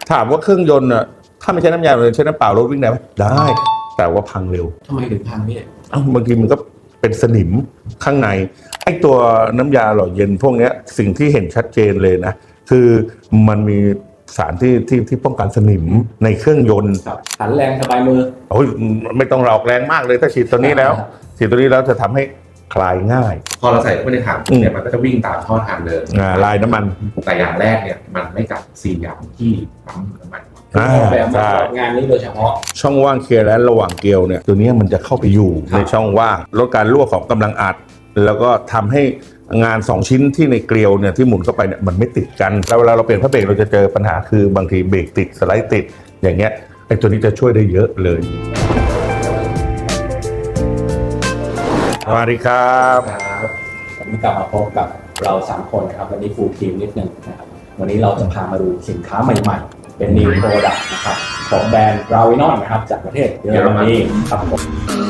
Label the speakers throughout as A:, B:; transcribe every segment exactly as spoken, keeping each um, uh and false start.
A: ถามว่าเครื่องยนต์อ่ะถ้าไม่ใช้น้ำยาเลยใช้น้ำเปล่ารถวิ่งได้ไหมได้แต่ว่าพังเร็ว
B: ทำไมถึงพังพี่
A: เอ้าบางทีมันก็เป็นสนิมข้างในไอ้ตัวน้ำยาหล่อเย็นพวกนี้สิ่งที่เห็นชัดเจนเลยนะคือมันมีสารที่ที่ที่ป้องกันสนิมในเครื่องยนต์
B: หันแรงสบายมือ
A: โอ้ยไม่ต้องหลอกแรงมากเลยถ้าฉีดตัวนี้แล้วฉีดตัวนี้แล้วจะทำให้คลายง่าย
C: พอเราใส่เข้าไปในถังเนี่ยมันก็จะวิ่งตามท่อทางเดิน
A: ลายน้ำมัน
C: แต่อย่างแรกเนี่ยมันไม่กับสี่อย่างที่ปั๊มน้ำมัน
B: แบบงานนี้โดยเฉพาะ
A: ช่องว่างเคลียร์และระหว่างเกลียวเนี่ยตัวนี้มันจะเข้าไปอยู่ในช่องว่างลดการรั่วของกำลังอัดแล้วก็ทำให้งานสองชิ้นที่ในเกลียวเนี่ยที่หมุนเข้าไปเนี่ยมันไม่ติดกันแล้วเวลาเราเปลี่ยนพระเบรกเราจะเจอปัญหาคือบางทีเบรกติดสไลด์ติดอย่างเงี้ยไอ้ตัวนี้จะช่วยได้เยอะเลยสวัสดีครับ
B: วันนี้กลับมาพบกับเราสามคนนะครับวันนี้ฟูลทีมนิดนึงนะครับวันนี้เราจะพามาดูสินค้าใหม่ๆเป็น New Product นะครับของแบรนด์ Ravinon นะครับจากประเทศเยอรมนีครับผม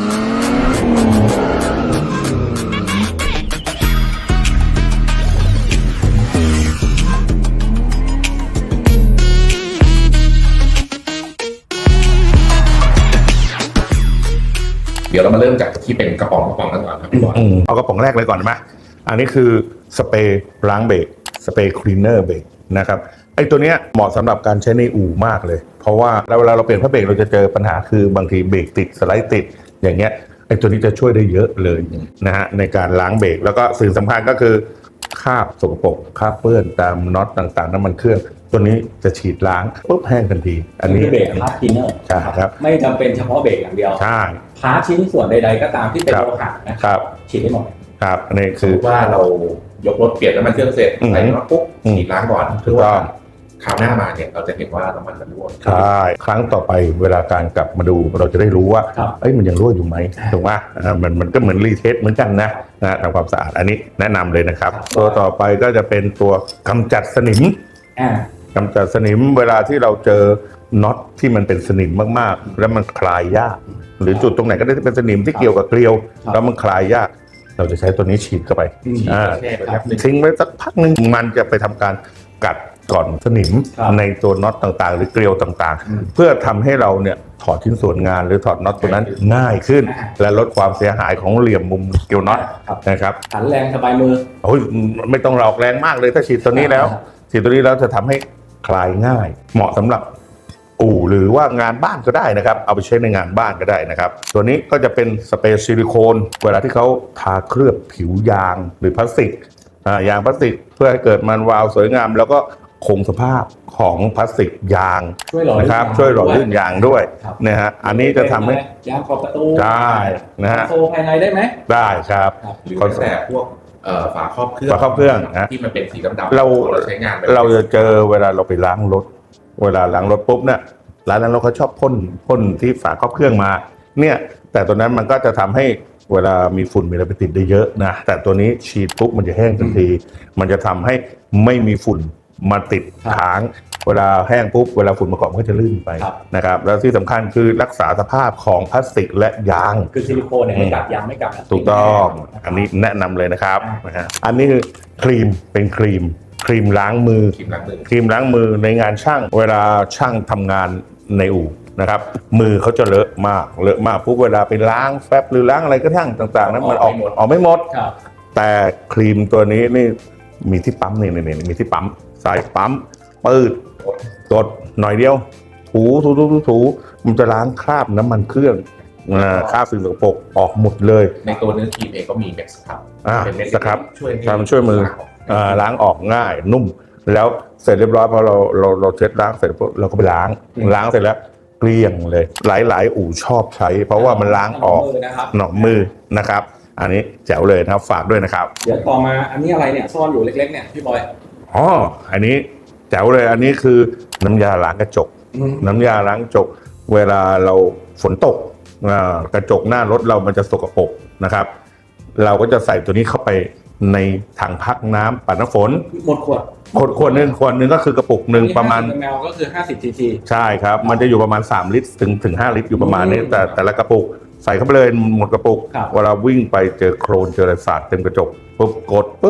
C: เดี๋ยวเรามาเริ่มจากที่เป็นกระป๋องกระป๋องกันก่อนครับพี่บอล
A: เอากระป๋องแรกเลยก่อนไหมอันนี้คือสเปรย์ล้างเบรกสเปรย์คลีนเนอร์เบรกนะครับไอ้ตัวเนี้ยเหมาะสำหรับการใช้ในอู่มากเลยเพราะว่าเวลาเราเปลี่ยนพระเบรกเราจะเจอปัญหาคือบางทีเบรกติดสไลด์ติดอย่างเงี้ยไอ้ตัวนี้จะช่วยได้เยอะเลยนะฮะในการล้างเบรกแล้วก็สิ่งสำคัญก็คือคราบสกปรกคราบเปื้อนตามน็อตต่างๆน้ำมันเครื่องตัวนี้จะฉีดล้างปุ๊บแห้งทันที
B: อันนี้เบรกพาร์ทคลีนเนอร์
A: ใช่ครับ
B: ไม่จำเป็นเฉพาะเบรกอย่างเดียว
A: ใช่
B: พาร์ทชิ้นส่วนใดๆก็ตามที่เป็นโลหะนะครับฉีดได้หมด
A: ครับอันนี้คือ
C: ว่าเรายกรถเปลี่ยนน้ำมันเครื่องเสร็จใส่น็อตปุ๊บฉีดล้างก่อนเพื่อว่าคราวหน้ามาเนี่ยเราจะเห็นว่าน้ำมันมันรั่ว
A: ใช่ครั้งต่อไปเวลาการกลับมาดูเราจะได้รู้ว่าเอ้ยมันยังรั่วอยู่ไหมถูกไหมมันมันก็เหมือนรีเทสเหมือนกันนะนะทำความสะอาดอันนี้แนะนำเลยนะครับตัวต่อไปก็จะเป็นตัวกำจัดสนิมกำจัดสนิมเวลาที่เราเจอน็อตที่มันเป็นสนิมมากๆแล้วมันคลายยากหรือจุดตรงไหนก็ได้ที่เป็นสนิมที่เกี่ยวกับเกลียวแล้วมันคลายยากเราจะใช้ตัวนี้ฉีดเข้าไปทิ้งไว้สักพักนึงมันจะไปทำการกัดก่อนสนิมในตัวน็อตต่างๆหรือเกลียวต่างๆเพื่อทำให้เราเนี่ยถอดชิ้นส่วนงานหรือถอดน็อตตัวนั้นง่ายขึ้นและลดความเสียหายของเหลี่ยมมุมเกลียวน็อตนะครับ
B: หันแรงสบายมือ
A: โอ้ยไม่ต้องหลอกแรงมากเลยถ้าฉีดตัวนี้แล้วฉีดตัวนี้แล้วจะทำให้คลายง่ายเหมาะสำหรับอู่หรือว่างานบ้านก็ได้นะครับเอาไปใช้ในงานบ้านก็ได้นะครับตัวนี้ก็จะเป็นสเปรย์ซิลิโคนเวลาที่เขาทาเคลือบผิวยางหรือพลาสติกยางพลาสติกเพื่อให้เกิดมันวาวสวยงามแล้วก็คงสภาพของพลาสติกยางนะครับช่วยหล่อลื่นยางด้วยนะฮะอันนี้จะทำให้
B: ยางขอบประตู
A: ได้นะฮะ
B: โซ่ภายในได้ไหม
A: ได้ครับ
C: หรือแต่พวกฝาครอบเครื่อง
A: ฝาครอบเครื่องนะ
C: ที่มันเป็นสีดำๆ
A: เราใช้งานเราจะเจอเวลาเราไปล้างรถเวลาล้างรถปุ๊บเนี่ยร้านนั้นเราเขาชอบพ่นพ่นที่ฝาครอบเครื่องมาเนี่ยแต่ตัวนั้นมันก็จะทำให้เวลามีฝุ่นมีอะไรไปติดได้เยอะนะแต่ตัวนี้ฉีดปุ๊บมันจะแห้งทันทีมันจะทำให้ไม่มีฝุ่นมาติดค้างเวลาแห้งปุ๊บเวลาฝุ่นมาเกาะมันก็จะลื่นไปนะครับแล้วที่สำคัญคือรักษาสภาพของพลาสติกและยาง
B: คือซิลิโคนเนี่ยไม่กัดยางไม่กัด
A: ถูกต้องอันนี้แนะนำเลยนะครับนะฮะอันนี้คือครีมเป็นครีมครีมล้างมือครีมล้างมือครีมล้างมือในงานช่างเวลาช่างทำงานในอู่นะครับมือเขาจะเลอะมากเลอะมากปุ๊บเวลาไปล้างแฟบหรือล้างอะไรก็ทั้งต่างๆนั้นมันออกออกไม่หมดแต่ครีมตัวนี้นี่มีที่ปั๊มนี่นี่มีที่ปั๊มสายปั๊มปืดกดหน่อยเดียวถูถูถูถูมันจะล้างคราบน้ำมันเครื่องคราบสิ่งสกปรกออกหมดเลย
C: ในตัวเนื้อครีมเองก็มีเม็ดสครับ
A: เป็นเม็ดสครับช่วยช่วยมือล้างออกง่ายนุ่มแล้วเสร็จเรียบร้อยพอเราเราเราเช็ดล้างเสร็จเราก็ไปล้างล้างเสร็จแล้วเกลี้ยงเลยหลายๆอู่ชอบใช้เพราะว่ามันล้างออกหนอกมือนะครับอันนี้แจ๋วเลยนะครับฝากด้วยนะครับ
B: เดี๋ยวต่อมาอันนี้อะไรเนี่ยซ่อนอยู่เล็กๆเนี่ยพี่บอย
A: อ๋ออันนี้แจ๋วเลยอันนี้คือน้ำยาล้างกระจกน้ำยาล้างกระจกเวลาเราฝนตกกระจกหน้ารถเรามันจะสกปรกนะครับเราก็จะใส่ตัวนี้เข้าไปในถังพักน้ำปัดน้ำฝน
B: หมดขวด
A: ขวดขวดนึงขวดนึงก็คือกระปุกหนึ่งประมาณ
B: แมวก็คือห้าสิบซีซี
A: ใช่ครับมันจะอยู่ประมาณสามลิตรถึงถึงห้าลิตรอยู่ประมาณนี้แต่แต่ละกระปุกใส่เข้าไปเลยหมดกระปุกเวลาวิ่งไปเจอโครนเจออะไรสาดเต็มกระจกปุ๊บกดปึ้ง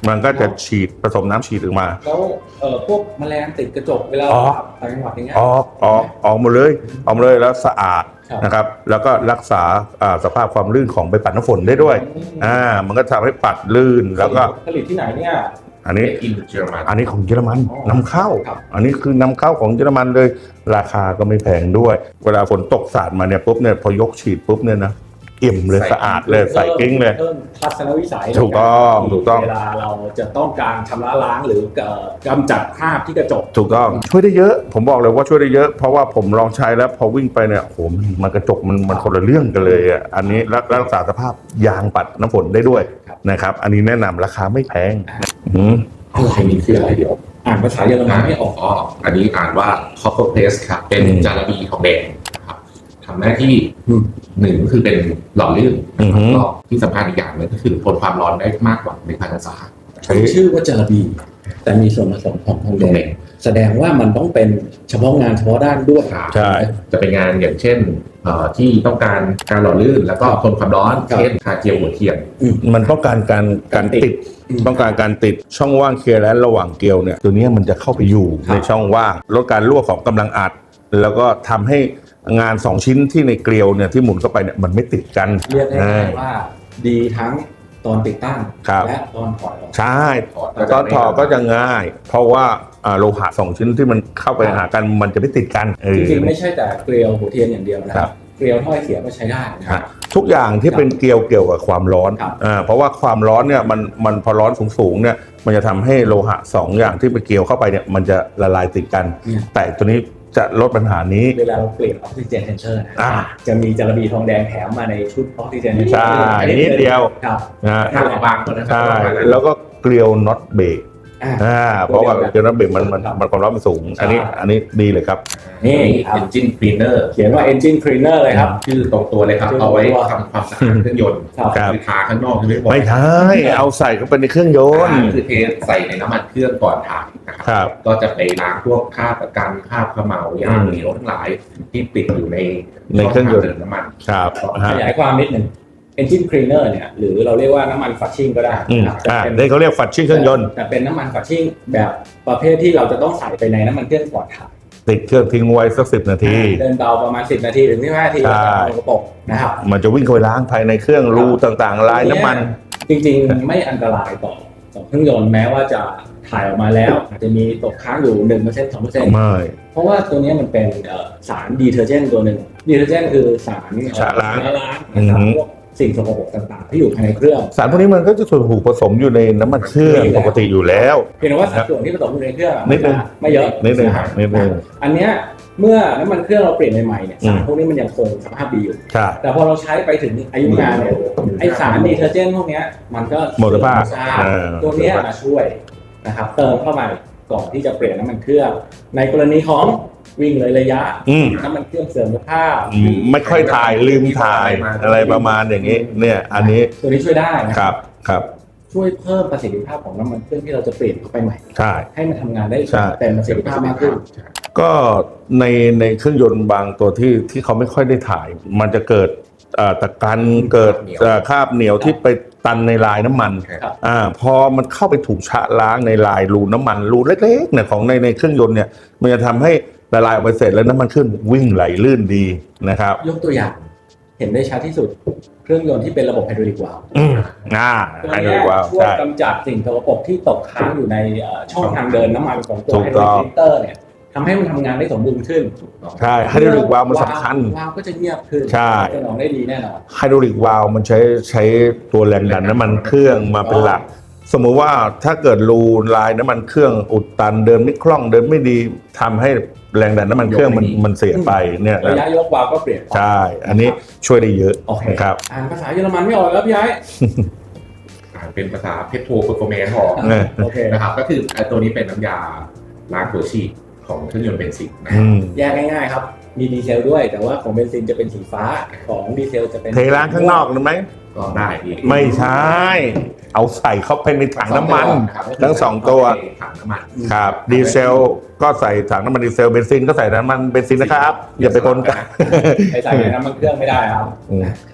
A: มันก็จะฉีดผสมน้ำฉีดออกมา
B: แล้วเอ่อพวกแมลงติดกระจกเวลา
A: อ๋อ
B: ต่างจังหวัดอย่างเงี้ย
A: ออกออกออกหมดเลยออกหมดเลยแล้วสะอาด
B: ครับ
A: นะครับแล้วก็รักษาอ่าสภาพความลื่นของใบปัดน้ำฝนได้ด้วยอ่ามันก็ทำให้ปัดลื่นแล้วก็
B: ผลิตที่ไหนเนี่ย
A: อันนี้
C: อินเยอรมัน
A: อันนี้ของเยอรมัน
B: อ๋อน
A: ำเข้า
B: ครับ
A: อันนี้คือนำเข้าของเยอรมันเลย ราคาก็ไม่แพงด้วย เวลาฝนตกสาดมาเนี่ยปุ๊บเนี่ยพอยกฉีดปุ๊บเนี่ยนะเอี่ยมเลยสะอาดเลยใส่กิ้งเลย
B: เพิ่มทัศนวิสัย
A: ถูกต้องถูกต้อง
B: เวลาเราจะต้องการชำระล้างหรือเอ่อกำจัดคราบที่กระจก
A: ถูกต้องช่วยได้เยอะ ผมบอกเลยว่าช่วยได้เยอะ เพราะว่าผมลองใช้แล้วพอวิ่งไปเนี่ยโอ้โหมันมันกระจกมันมันคนละเรื่องกันเลยอ่ะอันนี้รักรักษาสภาพยางปัดน้ำฝนได้ด้วย
B: ครับ
A: นะครับ อันนี้แนะนำราคาไม่แพงอืม
B: อะไรนี่คืออะไรเดี๋ยวอ่านภาษาเยอรมันไม่ออก
C: อ๋ออันนี้อ่านว่า copper paste ครับ เป็น
A: อืม
C: จาระบีทองแดงนะครับทำหน้าที่
B: อืม
C: หนึ่งก็คือเป็นหล่อลื่น
A: อือฮึ
C: แล้วก็ที่สำคัญอีกอย่างหนึงก็คือทนความร้อนได้มากกว่าหนึ่งพันองศา
A: ใช้
B: ชื่อว่าจาระบี แต่มีส่วนผสมของทองแดงแสดงว่ามันต้องเป็นเฉพาะงานเฉพาะด้านด้วย
A: ใช่
C: จะเป็นงานอย่างเช่นเอ่อที่ต้องการการหล่อลื่น แล้วก็ทนความร้อน
B: ครับ
C: เช่นทาเจียวหัวเทียม
A: มันต้องการการการติด
B: อืม
A: ต้องการการติดช่องว่างเคลียร์และระหว่างเกลียวเนี่ยตัวเนี้ยมันจะเข้าไปอยู่
B: ครับ
A: ในช่องว่างลดการรั่วของกำลังอัด แล้วก็ทำให้งานสองชิ้นที่ในเกลียวเนี่ยที่หมุนเข้าไปเนี่ยมันไม่ติดกัน
B: เรียกได้
A: อ่า
B: ว่าดีทั้งตอนติดตั้ง
A: ครับ
B: และตอนถอดออก
A: ใช่
C: ถอด
A: ตอนถอดก็จะง่าย เพราะว่าอ่าโลหะสองชิ้นที่มันเข้าไปหากันมันจะไม่ติดกันเออ
B: จริงๆไม่ใช่แต่เกลียวหัวเทียนอย่างเดียวนะค
A: ครั
B: รับ บเกลียวถ้อยเสียก็ใช้ได้นะค
A: ฮะ
B: รับ
A: ทุกอย่างที่เป็นเกลียวเกี่ยวกับความร้อน
B: ครับ
A: อ่าเพราะว่าความร้อนเนี่ยมันมันพอร้อนสูงๆเนี่ยมันจะทำให้โลหะสองอย่างที่ไปเกลียวเข้าไปเนี่ยมันจะละลายติดกัน
B: เนี่ย
A: แต่ตัวนี้จะลดปัญหานี้
B: เวลาเราเปลี่ยนออกซิเจนเทนเชอร์นะ
A: อ่า
B: จะมีจาระบีทองแดงแถมมาในชุดออกซิเจน
A: ใช่นิดเดียว
B: ครับ
A: นะ
C: ถ้าเราบางคนนะครั
A: ใช่
C: ประมาณนั้น
A: แล้วก็เกลียวน็อตเบรก
B: อ่า
A: อ่าเพราะว่าเกลียวน็อตเบรกมันมัน
B: ครับ
A: มันความร้อนมันสูง อันนี้
B: ใช่
A: อันนี้ดีเลยครับ
B: นี่
C: นี่
B: ครับ
C: engine cleaner
B: เขียนว่า engine cleaner เลยครับ
C: ชื่อตรงตัวเลยครับ
B: ชื่อตรงตัว
C: เอาไว้ทำความสะอาดเครื่องยนต์
B: ครับ
A: ครับ
C: คือทาข้างนอกใช่ไหมบอย
A: ไม่ใช่เอาใส่เข้าไปในเครื่องยนต์
C: คือเทใส่ในน้ำมันเครื่องก่อนถ่ายนะค
A: ครั
C: รับ ก็จะไปล้างพวกคราบประกันคราบเขม่ายางเหนียวทั้งหลายที่ติดอยู่ใน
A: ในเครื่องยนต์
C: ช่ทาดิน้ำมัน
A: ครับ
B: ข
A: ฮะ
B: ยายความนิดหนึ่ง engine cleaner เนี่ยหรือเราเรียกว่าน้ำมันฟัชชิ่งก็ได้
A: อืม
B: นะครับแต่
A: อ่า
B: เป็น
A: ได้เขาเรียกฝัดชิ้นเครื่องยนต์
B: แต่เป็นน้ำมันฟัชชิ่งแบบประเภทที่เราจะต้องใส่ไปในน้ำมันเครื่องก่อนถ่าย
A: ติดเครื่องทิ้งไว้สักสิบนาที
B: เดินเบาประมาณสิบนาทีถึงสิบห้านาที
A: ใช่
B: แล้วก็เอากระปกนะครับ
A: มันจะวิ่งเข้าไปล้างภายในเครื่องรูต่างๆลายน้ำมัน
B: จริงๆ ไม่อันตรายต่อต่อเครื่องยนต์แม้ว่าจะถ่ายออกมาแล้ว อาจจะมีตกค้างอยู่หนึ่งเปอร์เซ็นต์สองเปอร์เซ็นต์
A: ไม่
B: เพราะว่าตัวนี้มันเป็นเอ่อสารดีเทอร์เจนต์ตัวหนึ่งดีเทอร์เจนต์คือสาร
A: ชะล้าง
B: ชะล้างนะครับ
A: อือฮึ
B: พวกสิ่งสกปรกต่างๆ ที่อยู่ภายในเครื่อง
A: สารพวกนี้มันก็จะถูกผสมอยู่ในน้ำมันเครื่องปกติอยู่แล้ว
B: เพียงแต่ว่าสัดส่วนที่ผสมอยู่ในเครื่องอะ
A: นิดนึง
B: ไม่เยอะ
A: นิดนึงนิดนึง
B: อันเนี้ยเมื่อน้ำมันเครื่องเราเปลี่ยนใหม่ๆเนี่ย
A: อืม
B: สารพวกนี้มันยังคงสภาพดีอยู่
A: ใช่
B: แต่พอเราใช้ไปถึงอายุงานเนี่ยไอสารดีเทอร์เจนต์พวกเนี้ยมันก็
A: หมดสภาพ
B: ใช่
A: เออ
B: ตัวเนี้ยมาช่วยนะครับเติมเข้าไปก่อนที่จะเปลี่ยนน้ำมันเครื่อง ในกรณีของวิ่งเลยระยะ
A: อืม
B: น้ำมันเครื่องเสื่อมสภาพ
A: อืมไม่ค่อยถ่ายลืมถ่ายอะไรประมาณอย่างนี้ เนี่ย อันนี้
B: ตัวนี้ช่วยได้นะครับ
A: ครับ
B: ช่วยเพิ่มประสิทธิภาพของน้ำมันเครื่องที่เราจะเปลี่ยนเข้าไปใหม่
A: ใช่
B: ให้มันทำงานได้
A: ใช่
B: เต็มประสิทธิภาพมากขึ้น
A: ก็ในในเครื่องยนต์บางตัวที่ที่เขาไม่ค่อยได้ถ่าย มันจะเกิดเอ่อตะกันเกิดเอ่อคราบเหนียวที่ไปตันในลายน้ำมัน
B: ครับ
A: อ่าพอมันเข้าไปถูกชะล้างในลายรูน้ำมันรูเล็กๆเนี่ยของในในเครื่องยนต์เนี่ยมันจะทำให้ละลายออกไปเสร็จแล้วน้ำมันเครื่องวิ่งไหลลื่นดีนะครับ
B: ยกตัวอย่าง เห็นได้ชัดที่สุดเครื่องยนต์ที่เป็นระบบไฮดรอลิกวาล์ว
A: อืมอ่า
B: ตัว
A: ให้ดู
B: เนี้ย
A: ว่า
B: ช่วย
A: ใช่
B: กำจัดสิ่งสกปรกที่ตกค้างอยู่ในเอ่อช่องทางเดินน้ำมันของตัว
A: ถู
B: ไฮ
A: ก
B: ดร
A: ต้
B: อ
A: อง
B: ลิกฟิลเตอร์เนี่ยทำให้มันทำงานได้สมบูรณ์ขึ้น
A: ใช่ไฮดรอลิกวาล์วมันสำคัญ
B: วาล์วก็จะเงียบขึ้น
A: ใช่
B: จะนองได้ดีแน่นอน
A: ไฮดรอลิกวาล์วมันใช้ใช้ตัวแรงดันน้ำมันเครื่องมาเป็นหลัก สมมุติว่าถ้าเกิดรูลายน้ำมันเครื่องอุดตันเดินไม่คล่องเดินไม่ดีทำให้แรงดันน้ำมันเครื่องมันมันเสียไปเนี่ย
B: ระ
A: นะ
B: ยะยกวาล์วก็เปลี่ยน
A: ใช่ อันนี้ช่วยได้เยอะ
B: โอเค
A: นะครับ
B: อ่านภาษาเยอรมันไม่ออกแล้วพี่ไอ้
C: อ่าเป็นภาษาเพโทรเปอร์โฟแมนซ์พอ
A: เออ
B: โอเค
C: นะครับก็คือไอ้ตัวนี้เป็นน้ำยาล้างหัวฉีดของเครื่องยนต์เบนซินนะค
A: อื
C: รับ
A: ม
B: แยกง่ายๆครับ มีดีเซลด้วย แต่ว่าของเบนซินจะเป็นสีฟ้าของดีเซลจะเป็น
A: เทล้างข้างนอกหรือไหม
C: ก็ได้พี่
A: ไม่ใช่ เอาใส่เข้าไปในถังน้ำมัน ทั้งสองตัว
C: ถังน้ำมัน
A: ครับดีเซลก็ใส่ถังน้ำมันดีเซลเบนซินก็ใส่น้ำมันเบนซินนะครับ อย่าไปปนกัน
B: ไปใส่ในน้ำมันเครื่องไม่ได้ครับ
A: อืม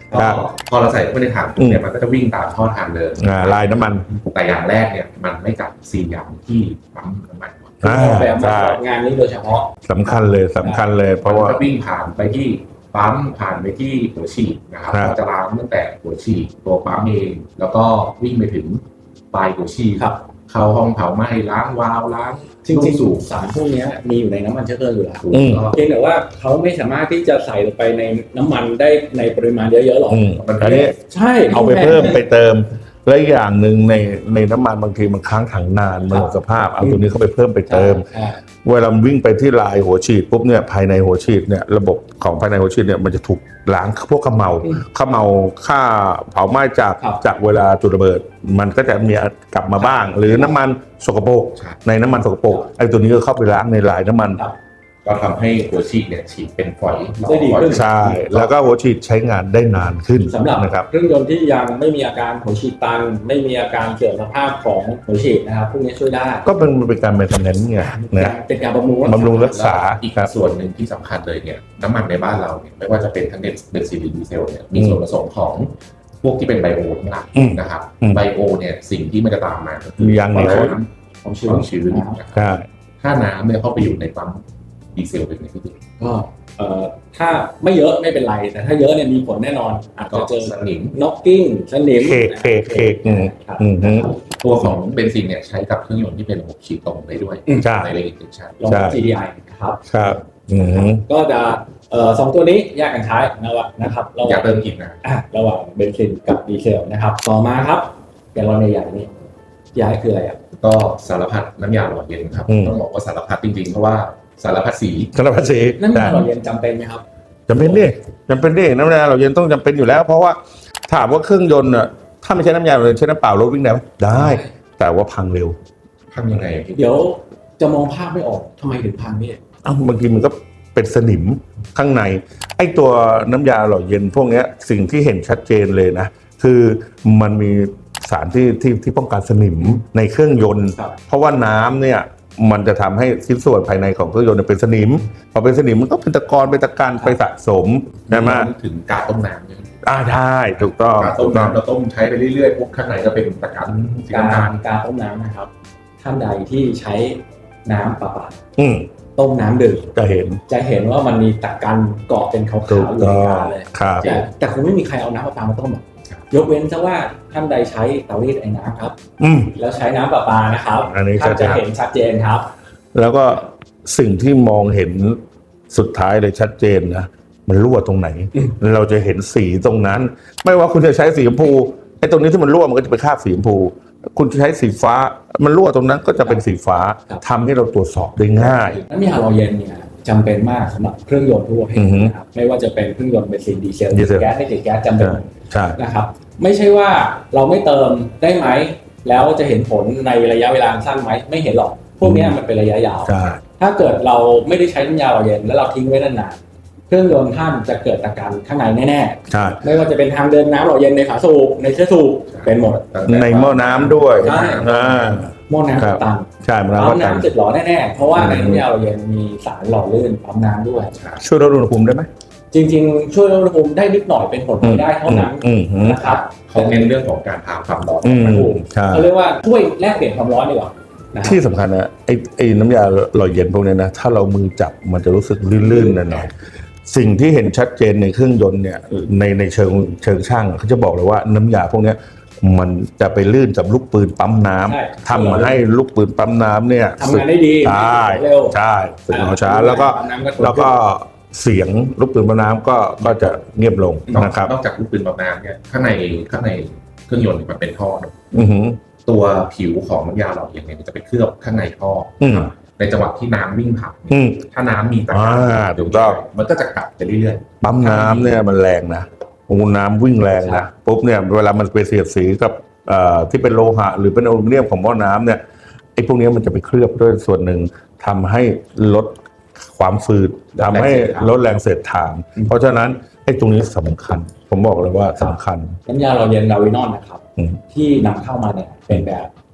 A: ครับ
C: พอเราใส่เข้าไปในถังเนี่ยมันก็จะวิ่งตามท่อทางเดิน
A: อ่าลายน้ำมัน
C: แต่อย่างแรกเนี่ยมันไม่กัดซีนยางที่ปั๊มน้ำมันก่อน
A: อ่า
B: ออกแบบมา
A: ใช่
B: สำหรับงานนี้โดยเฉพาะ
A: สำคัญเลยสำคัญเลยเพราะว่า
C: มันก็วิ่งผ่านไปที่ปั๊มผ่านไปที่หัวฉีดนะครับ
A: ครับ
C: เราจะล้างตั้งแต่หัวฉีดตัวปั๊มเอง แล้วก็วิ่งไปถึงปลายหัวฉีด
B: ครับ
C: เข้าห้องเผาไหม้ล้างวาล์วล้าง
B: จริง
C: สูบ
B: ๆสารพวกเนี้ยมีอยู่ในน้ำมันเชื้อเพลิงอยู่แล้ว
A: อืม
B: เพียงแต่ว่าเขาไม่สามารถที่จะใส่ลงไปในน้ำมันได้ในปริมาณเยอะๆหรอก
A: อืมอันนี้
B: ใช่
A: เอาไปเพิ่มไปเติมและอีกอย่างหนึ่งในในน้ำมันบางทีมันค้างถังนานมันหมดสภาพเอาตัวนี้เข้าไปเพิ่มไปเติม
B: ใช่
A: เวลามันวิ่งไปที่ลายหัวฉีดปุ๊บเนี่ยภายในหัวฉีดเนี่ยระบบของภายในหัวฉีดเนี่ยมันจะถูกล้างพวกขมเมา
B: อืม
A: ขมเมาค่าเผาไหม้จาก
B: ครับ
A: จากเวลาจุดระเบิด มันก็จะมีกลับมาบ้าง หรือน้ำมันสกปรก
C: ใช่
A: ในน้ำมันสกปรกไอ้ตัวนี้ก็เข้าไปล้างในลายน้ำมัน
B: ครับ
C: ก็ทำให้หัวฉีดเนี่ยฉีดเป็นฝอย
B: ได้ดีขึ้น
A: ใช่แล้วก็หัวฉีดใช้งานได้นานขึ้น
B: สำหรับ
A: นะครับ
B: เครื่องยนต์ที่ยังไม่มีอาการหัวฉีดตัน ไม่มีอาการเสื่อมสภาพของหัวฉีดนะครับพวกนี้ช่วยได้
A: ก็เป็นเป็นการเป็นทำนั้นไงนะ
B: เป็นการบำรุง
A: บำรุงรักษา
C: อีก
A: ครับ
C: ส่วนหนึ่งที่สำคัญเลยเนี่ยน้ำมันในบ้านเราเนี่ยไม่ว่าจะเป็นทั้งเบนซินหรือดีเซลเนี่ยมีส่วนผสมของพวกที่เป็นไบโอทั้งหลาย
A: อืม
C: นะครับ
A: อืม
C: ไบโอเนี่ยสิ่งที่มันจะตามมาก็คือย
A: างเหนียว
C: น้
B: ของ
C: ำ
B: ชื้
C: คน วามชื้นนะครับ
A: ใช่
C: ถ้าน้ำเนี่ยเข้าไปอยู่ในปั๊มดีเซลเป็นไงพี่ติ๊ก
B: ก็เอ่อถ้าไม่เยอะไม่เป็นไร แต่ถ้าเยอะเนี่ยมีผลแน่นอนอาจ
C: ก็
B: จะเจอ
C: สนิม
B: น็อกกิ้งสนิม
A: เคกเคกเคกอืม
B: ครับ
A: อืมฮึ
C: ตัวของเบนซินเนี่ยใช้กับเครื่องยนต์ที่เป็นระบบฉีดตรงได้ด้วย
A: ใช่
C: ในเลนอินเจคชั่น
B: ลอง
A: ใช่
B: จี ดี ไอ ครับ
A: ครับอืม
B: ก็จะเอ่อสองตัวนี้แยกกันใช้นะครับนะครับระห
C: อย่า
B: ว่าง
C: เติมกินนะ
B: อ่ะระหว่างเบนซินกับดีเซลนะครับ ต่อมาครับอย่างเราในใหญ่ๆนี่ยายคืออะไรอ่ะ
C: ก็สารพัดน้ำยาหล่อเย็นครับ
A: อืม
C: ต้องบอกว่าสารพัดจริงๆ เพราะว่าสารพัดสี
A: สารพัดสี
B: นั่น
A: แต่
B: หล่อเย็นจำเป็นไหมครับ
A: จำเป็นดิจำเป็นดิน้ำยาเราเย็นต้องจำเป็นอยู่แล้ว เพราะว่าถามว่าเครื่องยนต์อ่ะถ้าไม่ใช้น้ำยาเราเย็นใช้น้ำเปล่ารถวิ่งได้ไหมได้ แต่ว่าพังเร็ว
C: ทำยังไงพี่
B: เดี๋ยวจะมองภาพไม่ออกทำไมถึงพังพี่
A: เอ้าบางทีมันก็เป็นสนิมข้างใน ไอ้ตัวน้ำยาหล่อเย็นพวกเนี้ยสิ่งที่เห็นชัดเจนเลยนะ คือมันมีสารที่ที่ที่ป้องกันสนิมในเครื่องยนต์
B: ครับ
A: เพราะว่าน้ำเนี่ยมันจะทำให้ชิ้นส่วนภายในของเครื่องยนต์เนี่ยเป็นสนิม พอเป็นสนิมมันก็เป็นตะกอนเป็นตะการไปสะสมใช่ไหม
C: นึกถึงกาต้มน้ำเนี่ย
A: อ่าใช่ถูกต้อง
C: กา
A: ถู
C: ต้ม
A: กต้อง
C: น้ำเราต้มใช้ไปเรื่อยๆปุ๊บข้างในก็เป็นตะกันสี
B: การ
C: น้ำตาล
B: การต้มน้ำนะครับ ท่านใดที่ใช้น้ำประปา
A: อืม
B: ต้มน้ำดื่ม
A: จะเห็น
B: จะเห็นว่ามันมีตะกันเกาะเป็นขาว
A: ถูก
B: ๆอยู่
A: ต้
B: ใน
A: อง
B: กาเลย
A: ครับ
B: แต่แต่คงไม่มีใครเอาน้ำประปามาต้มหรอกยกเว้นซะว่าท่านใดใช้เตารีดไอ้น้ำครับ
A: อืม
B: แล้วใช้น้ำประปานะครับ
A: อันนี้
B: ท่าน
A: ชั
B: จะ
A: ดๆ
B: เห็นชัดเจนครับ
A: แล้วก็สิ่งที่มองเห็นสุดท้ายเลยชัดเจนนะมันรั่วตรงไหน
B: อืม
A: เราจะเห็นสีตรงนั้น ไม่ว่าคุณจะใช้สีชมพูไอ้ตรงนี้ที่มันรั่วมันก็จะไปคราบสีชมพู คุณจะใช้สีฟ้า มันรั่วตรงนั้นก็จะเป็นสีฟ้าทำให้เราตรวจสอบได้ง่าย
B: น้ำยาหล่อเย็นเนี่ยจำเป็นมากสำหรับเครื่องยนต์ทั่วไป
A: อือฮึ
B: นะครับไม่ว่าจะเป็นเครื่องยนต์เบนซินดีเซล
A: ดีเซล
B: แก๊สไม่ติดแก๊สจำเป็น
A: ใช่
B: นะครับไม่ใช่ว่าเราไม่เติมได้ไหมแล้วจะเห็นผลในระยะเวลาสั้นไหมไม่เห็นหรอกพวกเนี้ยมันเป็นระยะยาว
A: ใช่
B: ถ้าเกิดเราไม่ได้ใช้น้ำยาหล่อเย็นแล้วเราทิ้งไว้นานๆเครื่องยนต์ท่านจะเกิดตะการข้างในแน่
A: ใช่
B: ๆไม่ว่าจะเป็นทางเดินน้ำหล่อเย็นในฝาสูบในเชื้อสูบเป็นหมด
A: ในหม้อน้ำด้วย
B: ใช่
A: อ่า
B: หม้อน้ำ
A: ครับ
B: ตัน
A: ใช่มัน
B: ปั๊
A: ก็
B: ม
A: ตัน
B: น้ำติดหล่อแน่ๆเพราะว่า
A: อืม
B: ในน้ำยาหล่อเย็นมีสารหล่อลื่นปั๊มน้ำด้วย
A: ช่วยลดอุณหภูมิได้ไหม
B: จริงๆ ช่วยลดอุณหภูมิได้นิดหน่อยเป็นผลพลอยได้เท่านั้น
A: อืมอืม
B: นะครับ
C: เขาเน้นเรื่องของการพาความร้อน
A: อืม
C: มาดู
A: ใช่
B: เขาเรียกว่าช่วยแลกเปลี่ยนความร้อนดีกว่านะครับ
A: ที่สำคัญนะไอ้ไอ้น้ำยาหล่อเย็นพวกเนี้ยนะถ้าเรามือจับมันจะรู้สึกลื่นๆหน่อยๆสิ่งที่เห็นชัดเจนในเครื่องยนต์เนี่ยในในเชิงเชิงช่างเขาจะบอกเลยว่าน้ำยาพวกเนี้ยมันจะไปลื่นกับลูกปืนปั๊มน้ำ
B: ใช่
A: ทำมาให้ลูกปืนปั๊มน้ำเนี่ย
B: ทำงานได้ดี
A: ใช่
B: เร็ว
A: ใช่สึกเอาช้าแล้วก็
B: ปั๊มน้ำก็ถูก
A: แล้วก็เสียงลูกปืนปั๊มน้ำก็ก็จะเงียบลง
C: นอก
A: นะครับ
C: นอกจากลูกปืนปั๊มน้ำเนี่ยข้างในข้างในเครื่องยนต์เนี่ยมันเป็นท่อเนอะ
A: อือหือ
C: ตัวผิวของน้ำยาหล่อเย็นเนี่ยมันจะไปเคลือบข้างในท่ออ
A: อืม
C: ในจังหวะที่น้ำวิ่งผ่าน
A: อืม
C: ถ้าน้ำมีตะ
A: อ่า
C: การ
A: ถูกต้อง
C: มันก็จะกัดไปเรื่อย
A: ปั๊มน้ำเนี่ยมันแรงนะโอ้น้ำวิ่งแรงนะปุ๊บเนี่ยเวลามันไปเสียดสีกับเอ่อที่เป็นโลหะหรือเป็นอลูมิเนียมของหม้อน้ำเนี่ยไอ้พวกเนี้ยมันจะไปเคลือบด้วยส่วนหนึ่งทำให้ลดความฝืดทำให้ลดแรงเสียดทาน เพราะฉะนั้นไอ้ตรงนี้สำคัญ ผมบอกเลยว่าสำคัญ
B: น้ำยาหล่อเย็นลาวินอนนะครับ
A: อืม
B: ที่นำเข้ามาเนี่ยเป็นแบบส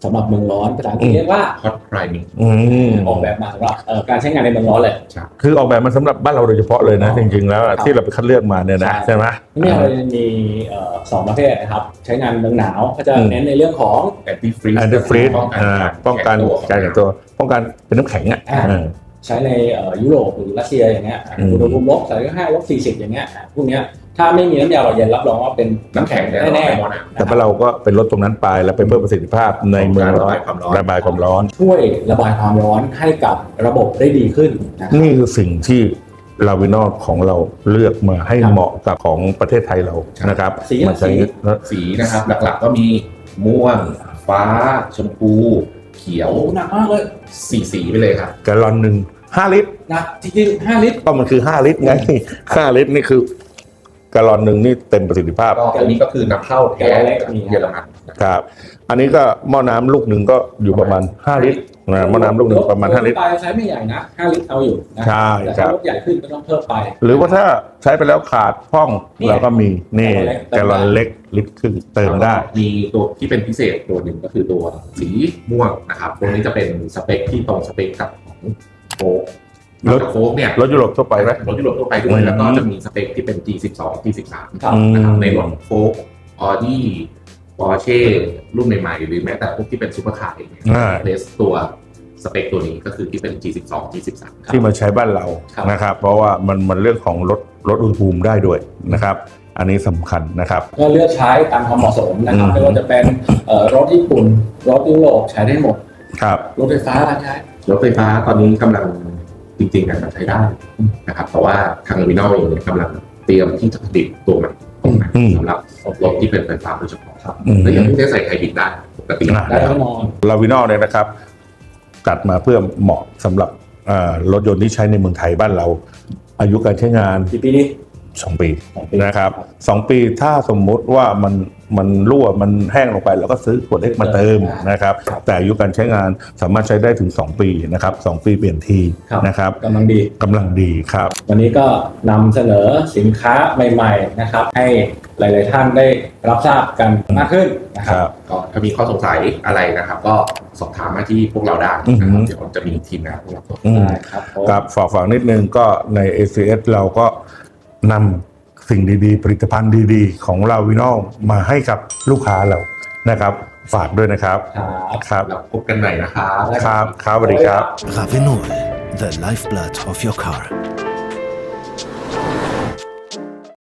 B: สำหรับเมืองร้อนภาษาอังกฤษเรียกว่า
C: hot priming
A: อืม
B: ออกแบบมาสำหรับเอ่อการใช้งานในเมืองร้อนเลย
A: คือออกแบบมาสำหรับบ้านเราโดยเฉพาะเลยนะ จริงๆแล้วอะที่เราไปคัดเลือกมาเนี่ยนะ
B: ใช่
A: ใช่ไหม
B: นี่เราจะมีเอ่อสองประเภทนะครับใช้งานเมืองหนาวก็จะ
A: อืม
B: เน้นในเรื่องของ
C: anti freeze
A: แอนตี้ฟรีด
C: ป้องกัน
A: ป้องกันการแข็งตัวป้องกันเป็นน้ำแข็งอ่ะ
B: อ่า
A: เออ
B: ใช้ในเอ่อยุโรปหรือรัสเซียอย่างเงี้ย
A: อืม
B: อุณหภูมิลบสามสิบห้าลบสี่สิบอย่างเงี้ยอ่ะพวกเนี้ยถ้าไม่มีน้ำยาหล่อเย็นรับรองว่าเป็น
C: น้ำแข็งแน่
B: แน่
C: ๆ
B: ๆ
A: แต่ว่าเราก็เป็นลดตรงนั้นไปแล้วไปเพิ่มประสิทธิภาพในเมืองร้อน
C: ระบายความร้อน
A: ระบายความร้อน
B: ช่วยระบายความร้อนให้กับระบบได้ดีขึ้นนะครับ
A: นี่คือสิ่งที่ลาวินอลของเราเลือกมาให้
B: ครับ
A: เหมาะกับของประเทศไทยเรานะครับ
B: สี
A: มาใช้
B: สี
C: สีนะครับหลักๆก็มีม่วง ฟ้า ชมพู เขียว
B: โอ้หนักมากเลย
C: สีสีไปเลยครับ
A: แกลลอนหนึ่งห้าลิตร
B: หนักจริงๆห้าลิตร
A: ก็มันคือห้าลิตรไงห้าลิตรนี่คือแกลลอนหนึ่งนี่เต็มประสิทธิภาพ
C: ก็อันนี้ก็คือนำเข้าแท้จากเยอรมันนะครับ
A: ครับ อันนี้ก็หม้อน้ำลูกหนึ่งก็อยู่ประมาณห้าลิตรนะหม้อน้ำลูกหนึ่งประมาณห้าลิตร
B: ไปใช้ไม่ใหญ่นะห้าลิตรเอาอยู่นะ
A: ใช่
B: แต่
A: ครั
B: ถ้า
A: บ
B: รถใหญ่ขึ้นก็ต้องเพิ่มไป
A: หรือว่าถ้าใช้ไปแล้วขาดพ่อง
B: นี่
A: เราก็มีนี่
B: แก
A: แก
B: ล
A: ล
B: ล
A: ล
B: อ
A: อน น
B: เล็
A: เล็
B: ก
A: กลิตรครึ่งเติมได้
C: มีตัวที่เป็นพิเศษตัวหนึ่งก็คือตัวสีม่วงนะครับตัวนี้จะเป็นสเปคที่ตรงสเปคกับของโฟก
A: รถ
C: โฟกเนี่ย
A: รถยุโรปทั่วไปไหม
C: รถยุโรปทั่วไปด้ว
A: อื
C: ย
A: ม
C: แล้วก็จะมีสเปคที่เป็น จี สิบสอง จี สิบสาม
B: ครับ
C: นะครับในรถโฟกออดี้ปอร์เช่รุ่นใหม่ๆหรือแม้แต่พวกที่เป็นซูเปอร์คาร์เองเนี่ย
A: อ่า
C: เลสตัวสเปคตัวนี้ก็คือที่เป็น จี สิบสอง จี สิบสาม
A: ที่มาใช้บ้านเรา
B: ครับ
A: นะครับ เพราะว่ามันมันเรื่องของลดลดอุณหภูมิได้ด้วยนะครับ อันนี้สำคัญนะครับ
B: ก็เลือกใช้ตามความเหมาะสมนะครับ
A: อืม
B: ไม่ว่าจะเป็นเอ่อรถญี่ปุ่นรถยุโรปใช้ได้หมด
A: ครับ
B: รถไฟฟ้าใช้
C: รถไฟฟ้าตอนนี้กำลังจริงๆการใช้ได้นะครับแต่ว่าทางวินอลเองเนี่ยกำลังเตรียมที่จะผลิตตัวใหม่ออกมา
A: อืม
C: สำหรับรถที่เป็นไฟฟ้าโดยเฉพาะครับ
A: อืม
C: แล้วยังไม่ได้ใส่ไฮบริดได้ปกติ
A: อ่า
B: ได้แน่นอน
A: ลาวินอลเนี่ยนะครับจัดมาเพื่อเหมาะสำหรับเอ่อรถยนต์ที่ใช้ในเมืองไทยบ้านเรา อายุการใช้งาน
B: กี่ปีนี้
A: สองปี
B: สองปี
A: นะครับสองปีถ้าสมมุติว่ามันมันรั่วมันแห้งลงไปเราก็ซื้อขวดเล็กมาเติมนะครับ แต่อายุการใช้งานสามารถใช้ได้ถึงสองปีนะครับสองปีเปลี่ยนที
B: ครับ
A: นะครับ
B: กำลังดี
A: กำลังดีครับ
B: วันนี้ก็นำเสนอสินค้าใหม่ๆนะครับ ให้หลายๆท่านได้รับทราบกันมากขึ้นนะค
A: ค
B: รั
A: รับ บ
C: ก็ถ้ามีข้อสงสัยอะไรนะครับ ก็สอบถามมาที่พวกเราได้นะครับเดี๋ยวจะมีทีมงานพวกเราตรวจ
A: อืม
B: ได้ครับผม
A: ครับฝากฝังนิดนึงก็ใน เอ ซี เอส เราก็นำสิ่งดีๆ ผลิตภัณฑ์ดีๆ ของเราวินอลมาให้กับลูกค้าเรานะครับ ฝากด้วยนะครับ
B: ครับ
A: ครับ
C: แล้วพบกันใหม่นะครับ
A: ครับครับสวัสดีครับ
D: Ravenol, the lifeblood of your car.